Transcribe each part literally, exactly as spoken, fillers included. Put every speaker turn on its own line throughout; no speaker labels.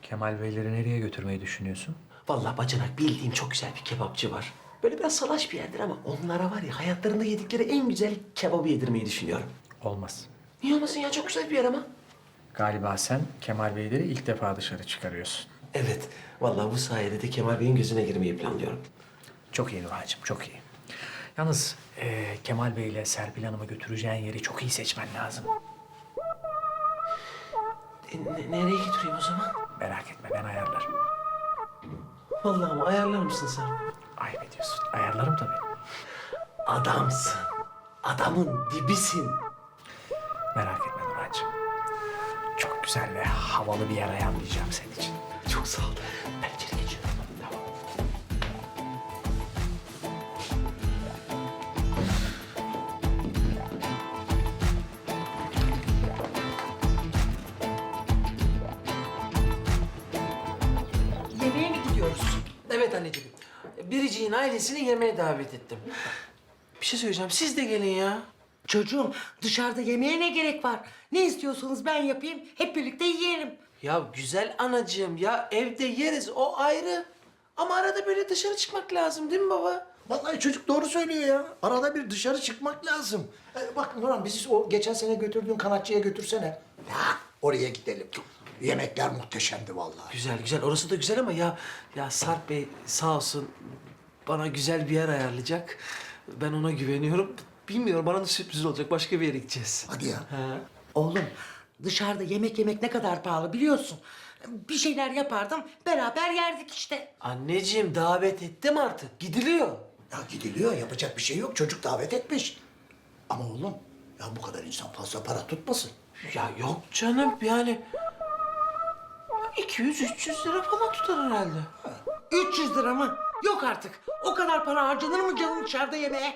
Kemal Beyleri nereye götürmeyi düşünüyorsun?
Vallahi bacanak bildiğim çok güzel bir kebapçı var. Böyle biraz salaş bir yerdir ama onlara var ya hayatlarında yedikleri en güzel kebabı yedirmeyi düşünüyorum.
Olmaz.
Niye olmasın ya, çok güzel bir yer ama.
Galiba sen Kemal Beyleri ilk defa dışarı çıkarıyorsun.
Evet, vallahi bu sayede de Kemal Bey'in gözüne girmeyi planlıyorum.
Çok iyi Nurhan'cığım, çok iyi. Yalnız eee, Kemal Bey ile Serpil Hanım'ı götüreceğin yeri çok iyi seçmen lazım.
E, ne- nereye götüreyim o zaman?
Merak etme, ben ayarlarım.
Vallahi ama ayarlar mısın sen?
Ayıp ediyorsun. Ayarlarım tabii.
Adamsın. Adamın dibisin.
Merak etme Nurhan'cığım. Çok güzel ve havalı bir yer ayarlayacağım senin için.
Çok sağ ol. Ben içeri geçiyorum. Tamam.
Yemeğe mi gidiyoruz?
Evet anneciğim. Biricik'in ailesini yemeğe davet ettim. Bir şey söyleyeceğim. Siz de gelin ya.
Çocuğum dışarıda yemeğe ne gerek var? Ne istiyorsanız ben yapayım, hep birlikte yiyelim.
Ya güzel anacığım ya, evde yeriz, o ayrı. Ama arada böyle dışarı çıkmak lazım değil mi baba?
Vallahi çocuk doğru söylüyor ya. Arada bir dışarı çıkmak lazım. Ee, bak Nurhan bizi o geçen sene götürdüğün kanatçıya götürsene. Ya, oraya gidelim. Yemekler muhteşemdi vallahi.
Güzel güzel, orası da güzel ama ya ya Sarp Bey sağ olsun bana güzel bir yer ayarlayacak. Ben ona güveniyorum. Bilmiyorum, bana da sürpriz olacak. Başka bir yere gideceğiz.
Hadi ya.
Ha.
Oğlum dışarıda yemek yemek ne kadar pahalı biliyorsun. Bir şeyler yapardım, beraber yerdik işte.
Anneciğim davet ettim artık. Gidiliyor.
Ya gidiliyor yapacak bir şey yok. Çocuk davet etmiş. Ama oğlum ya bu kadar insan fazla para tutmasın.
Ya yok canım yani iki yüz üç yüz lira falan tutar herhalde.
üç yüz lira mı? Yok artık. O kadar para harcanır mı canım dışarıda yemeğe?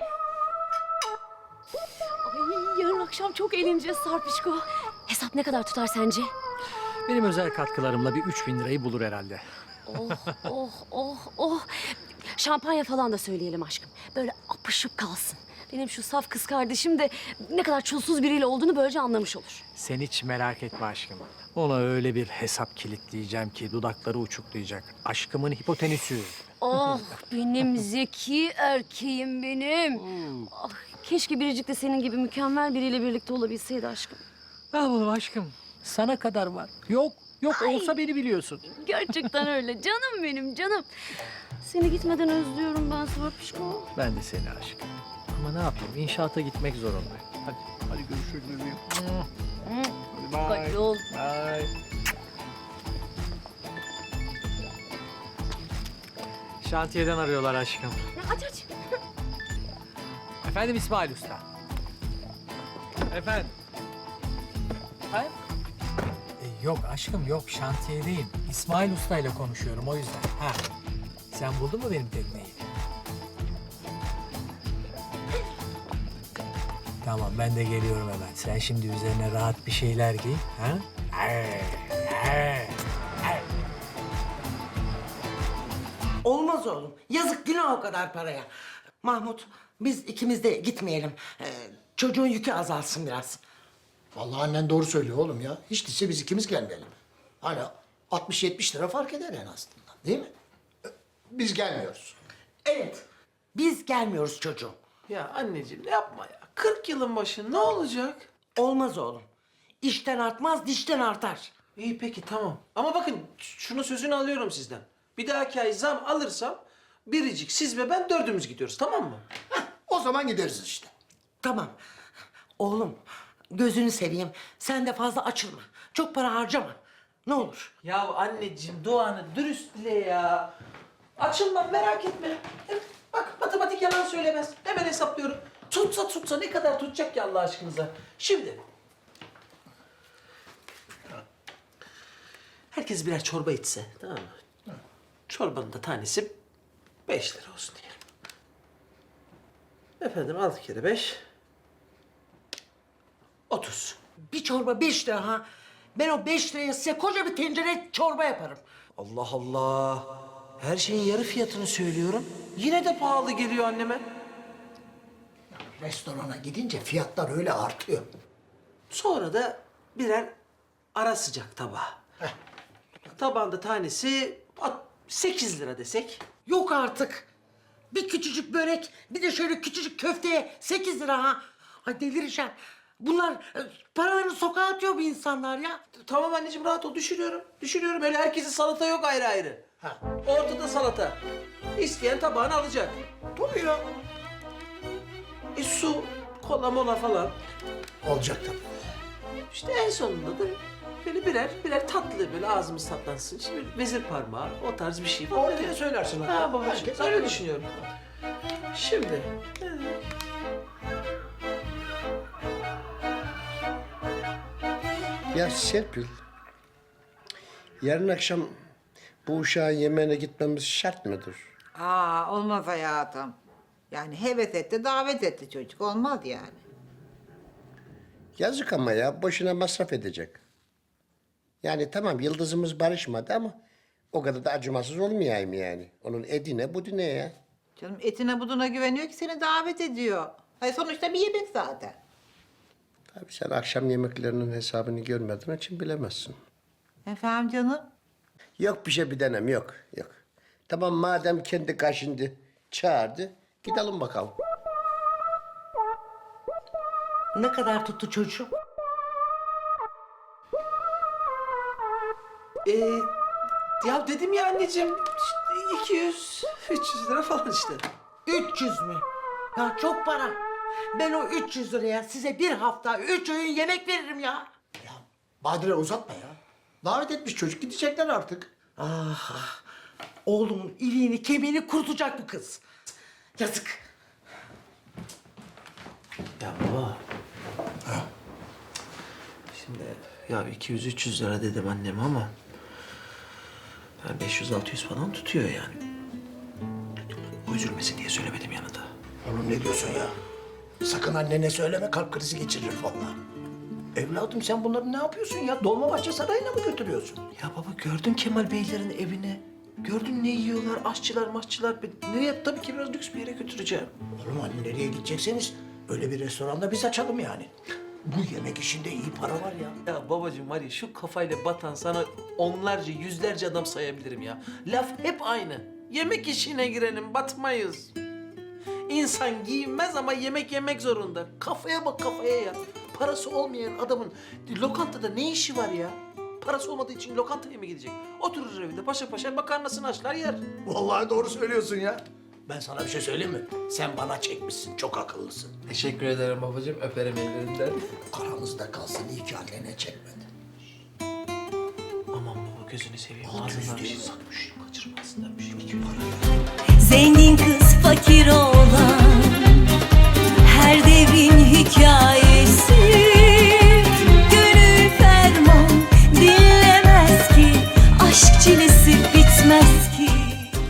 Ay, yarın akşam çok eğleneceğiz Sarpişko. Hesap ne kadar tutar sence?
Benim özel katkılarımla bir üç bin lirayı bulur herhalde.
Oh, oh, oh, oh. Şampanya falan da söyleyelim aşkım. Böyle apışıp kalsın. Benim şu saf kız kardeşim de ne kadar çulsuz biriyle olduğunu böylece anlamış olur.
Sen hiç merak etme aşkım. Ona öyle bir hesap kilitleyeceğim ki dudakları uçuklayacak. Aşkımın hipotenüsü.
Oh, benim zeki erkeğim benim. Ah, keşke Biricik de senin gibi mükemmel biriyle birlikte olabilseydi aşkım.
Ne yapalım aşkım? Sana kadar var. Yok, yok olsa beni biliyorsun.
Gerçekten öyle. Canım benim, canım. Seni gitmeden özlüyorum ben Sarpişko.
Ben de seni aşkım. Ama ne yapayım? İnşaata gitmek zorundayım. Hadi, hadi görüşürüz bebeğim. Hadi bye.
Dikkatli ol.
Bye. Şantiyeden arıyorlar aşkım.
Aç aç.
Efendim İsmail Usta. Efendim. Hayır.
E, Yok aşkım yok şantiyedeyim. İsmail Usta ile konuşuyorum o yüzden. Ha. Sen buldun mu benim tekneyi? Tamam ben de geliyorum hemen. Sen şimdi üzerine rahat bir şeyler giy. Ha? Ay, ay, ay.
Olmaz oğlum. Yazık günah o kadar paraya. Mahmut biz ikimiz de gitmeyelim. Ee, çocuğun yükü azalsın biraz.
Vallahi annen doğru söylüyor oğlum ya. Hiç değilse biz ikimiz gelmeyelim. Hani altmış yetmiş lira fark eder en azından. Değil mi? Ee, Biz gelmiyoruz.
Evet. Biz gelmiyoruz çocuğum.
Ya anneciğim yapma ya. kırk yılın başı ne olacak?
Olmaz oğlum. İşten artmaz, dişten artar.
İyi peki tamam. Ama bakın şunu sözünü alıyorum sizden. Bir dahaki ay zam alırsam Biricik, siz ve ben dördümüz gidiyoruz, tamam mı?
O zaman gideriz işte.
Tamam. Oğlum gözünü seveyim. Sen de fazla açılma. Çok para harcama. Ne olur.
Ya anneciğim duanı dürüst dile ya. Açılmam, merak etme. Evet, bak matematik yalan söylemez. Hemen hesaplıyorum. Tutsa tutsa ne kadar tutacak ki Allah aşkınıza. Şimdi. Herkes birer çorba içse, tamam mı? Çorbanın da tanesi beş lira olsun diyelim. Efendim altı kere beş. Otuz.
Bir çorba beş lira ha. Ben o beş liraya size koca bir tencere çorba yaparım.
Allah Allah. Her şeyin yarı fiyatını söylüyorum. Yine de pahalı geliyor anneme.
Restorana gidince fiyatlar öyle artıyor.
Sonra da birer ara sıcak tabağı. tabağında tanesi sekiz lira desek.
Yok artık. Bir küçücük börek, bir de şöyle küçücük köfteye sekiz lira ha. Ay delireceğim. Bunlar e, paralarını sokağa atıyor bu insanlar ya.
Tamam anneciğim rahat ol, düşürüyorum. Düşürüyorum, öyle herkesin salata yok ayrı ayrı.
Ha.
Ortada salata. İsteyen tabağını alacak.
Tabii ya.
E su, kola mola falan.
Olacak tabii.
İşte en sonunda da böyle birer birer tatlı böyle ağzımız tatlansın. İşte bir vezir parmağı, o tarz bir şey.
Ortaya söylersin ha.
Ha babacığım,
Herkes
öyle
haklı.
düşünüyorum. Şimdi...
Ya Serpil, yarın akşam bu uşağın yemeğine gitmemiz şart mıdır?
Aa olmaz hayatım. Yani heves etti, davet etti çocuk. Olmaz yani.
Yazık ama ya, boşuna masraf edecek. Yani tamam yıldızımız barışmadı ama o kadar da acımasız olmayayım yani. Onun edine budine ya.
Canım etine buduna güveniyor ki seni davet ediyor. Hayır sonuçta bir yemek zaten.
Tabii sen akşam yemeklerinin hesabını görmediğin için bilemezsin.
Efendim canım?
Yok bir şey bir denem yok, yok. Tamam madem kendi kaşındı, çağırdı, gidelim bakalım.
Ne kadar tuttu çocuğum?
Ee, ya dedim ya anneciğim, işte iki yüz, üç yüz lira falan işte.
üç yüz mü? Ya çok para. Ben o üç yüz liraya size bir hafta üç öğün yemek veririm ya.
Ya Badire uzatma ya. Davet etmiş çocuk, gidecekler artık.
Ah, oğlumun iliğini kemiğini kurutacak bu kız. Yazık.
Ya baba. Şimdi ya iki yüz üç yüz lira dedim anneme ama... ...yani beş yüz altı yüz falan tutuyor yani. O üzülmesin diye söylemedim yanında.
Oğlum ne diyorsun ya? Sakın annene söyleme, kalp krizi geçirir vallahi. Evladım sen bunları ne yapıyorsun ya? Dolmabahçe Sarayı'na mı götürüyorsun?
Ya baba gördün Kemal Beylerin evini. Gördün ne yiyorlar, aşçılar, maşçılar. Nereye? Tabii ki biraz lüks bir yere götüreceğim.
Oğlum hani nereye gidecekseniz öyle bir restoranda biz açalım yani. Bu yemek işinde iyi para var ya.
Ya babacığım var ya şu kafayla batan sana onlarca, yüzlerce adam sayabilirim ya. Laf hep aynı. Yemek işine girelim, batmayız. İnsan giyinmez ama yemek yemek zorunda. Kafaya bak kafaya ya. Parası olmayan adamın lokantada ne işi var ya? Parası olmadığı için lokantaya mı gidecek? Oturur evinde paşa paşa makarnasını haşlar yer.
Vallahi doğru söylüyorsun ya. Ben sana bir şey söyleyeyim mi? Sen bana çekmişsin, çok akıllısın.
Teşekkür ederim babacığım, öperim ellerinden.
Aramızda kalsın, iyi ki annene çekmedi.
Aman baba gözünü seveyim. Ağzından bir şey sakmış. Kaçırmasınlar bir şey.
Zengin kız fakir ol